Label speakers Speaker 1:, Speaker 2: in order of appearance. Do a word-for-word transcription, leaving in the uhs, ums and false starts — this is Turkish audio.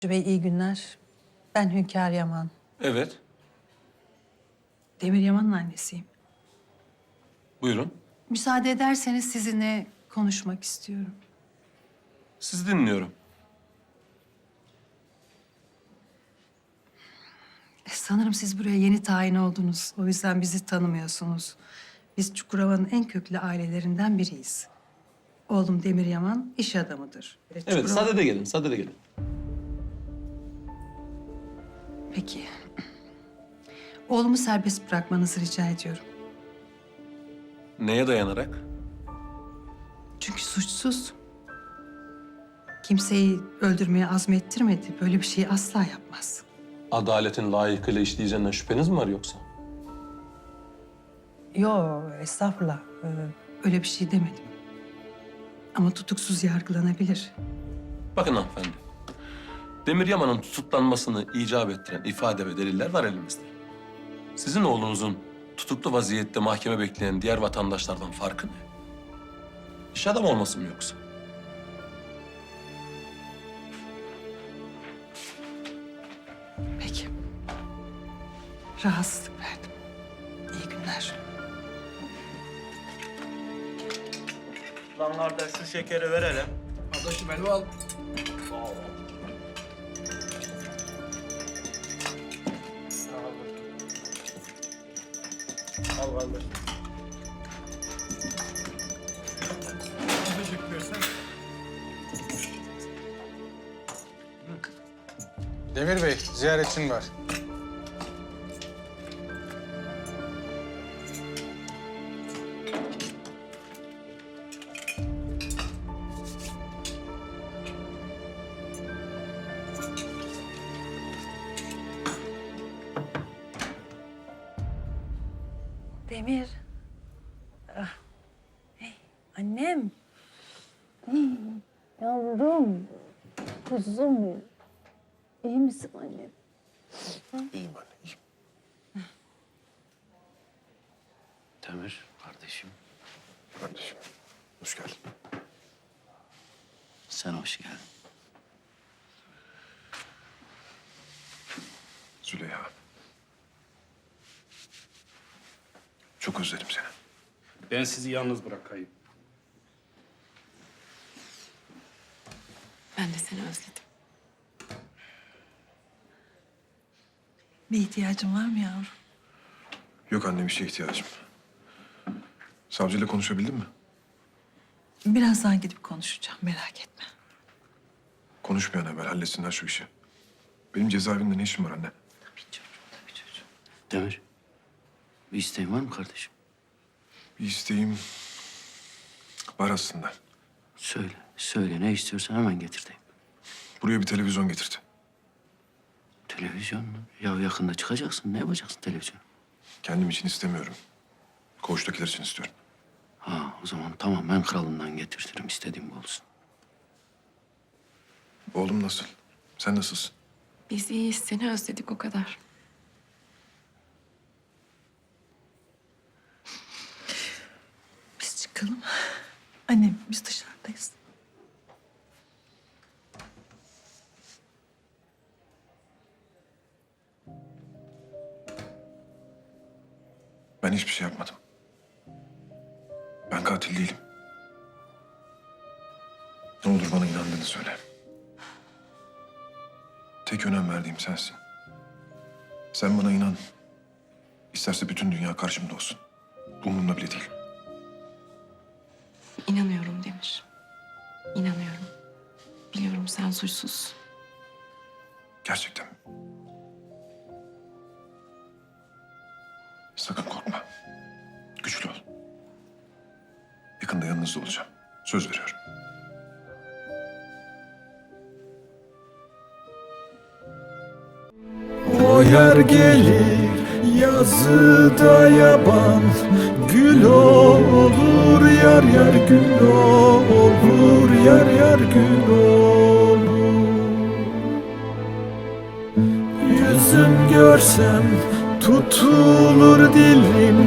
Speaker 1: Bey iyi günler. Ben Hünkâr Yaman.
Speaker 2: Evet,
Speaker 1: Demir Yaman'ın annesiyim.
Speaker 2: buyurun.
Speaker 1: Müsaade ederseniz sizinle konuşmak istiyorum.
Speaker 2: Sizi dinliyorum.
Speaker 1: E, Sanırım siz buraya yeni tayin oldunuz. O yüzden bizi tanımıyorsunuz. Biz Çukurova'nın en köklü ailelerinden biriyiz. Oğlum Demir Yaman iş adamıdır. E,
Speaker 2: Evet,
Speaker 1: Çukurova-
Speaker 2: sadede gelin, sadede gelin.
Speaker 1: Peki. Oğlumu serbest bırakmanızı rica ediyorum.
Speaker 2: Neye dayanarak?
Speaker 1: Çünkü suçsuz. Kimseyi öldürmeye azmettirmedi. Böyle bir şeyi asla yapmaz.
Speaker 2: Adaletin layıkıyla işleyeceğinden şüpheniz mi var yoksa?
Speaker 1: Yo, estağfurullah. Ee, öyle bir şey demedim. Ama tutuksuz yargılanabilir.
Speaker 2: Bakın hanımefendi. Demir Yaman'ın tutuklanmasını icap ettiren ifade ve deliller var elimizde. Sizin oğlunuzun tutuklu vaziyette mahkeme bekleyen diğer vatandaşlardan farkı ne? İş adamı olması mı yoksa?
Speaker 1: Peki. Rahatsızlık verdim. İyi günler.
Speaker 3: Lan kardeş şu şekeri ver hele.
Speaker 4: Kardeşim elime al.
Speaker 3: Al kardeş.
Speaker 4: Teşekkür ederim. Demir Bey, ziyaretçin var.
Speaker 1: Demir. Ah. Hey, annem. Hey, yavrum. Kuzum benim. İyi misin annem?
Speaker 5: İyiyim anne, iyiyim. Demir, kardeşim.
Speaker 6: Kardeşim, hoş geldin.
Speaker 5: Sen hoş geldin.
Speaker 6: Züleyha. Çok özledim seni.
Speaker 7: Ben sizi yalnız bırakayım.
Speaker 8: Ben de seni özledim.
Speaker 1: Bir ihtiyacın var mı yavrum?
Speaker 6: Yok anne, bir şeye ihtiyacım. Savcıyla konuşabildin mi?
Speaker 1: Birazdan gidip konuşacağım, merak etme.
Speaker 6: Konuş bir an evvel, halletsinler şu işi. Benim cezaevinde ne işim var anne?
Speaker 1: Tabii çocuğum, tabii çocuğum.
Speaker 5: Demir, bir isteğin var mı kardeşim?
Speaker 6: Bir isteğim var aslında.
Speaker 5: Söyle, söyle. Ne istiyorsan hemen getireyim.
Speaker 6: Buraya bir televizyon getirdi.
Speaker 5: Televizyon mu? Ya yakında çıkacaksın. Ne yapacaksın televizyon?
Speaker 6: Kendim için istemiyorum. Koğuştakiler için istiyorum.
Speaker 5: Ha, o zaman tamam. Ben kralından getirtirim. İstediğim bu olsun.
Speaker 6: Oğlum nasıl? Sen nasılsın?
Speaker 8: Biz iyiyiz, seni özledik o kadar.
Speaker 1: Biz çıkalım. Annem, biz dışarıdayız.
Speaker 6: Ben hiçbir şey yapmadım. Ben katil değilim. Ne olur bana inandığını söyle. Tek önem verdiğim sensin. Sen bana inan. İsterse bütün dünya karşımda olsun. Umurumda bile değil.
Speaker 8: İnanıyorum Demir. İnanıyorum. Biliyorum sen suçsuzsun.
Speaker 6: Gerçekten mi? Sakın korkma. Güçlü ol. Yakında yanınızda olacağım. Söz veriyorum.
Speaker 9: O yer gelir yazıda yaban, gül olur yar yar gül olur yar yar gül olur. Yüzüm görsem tutulur dilim.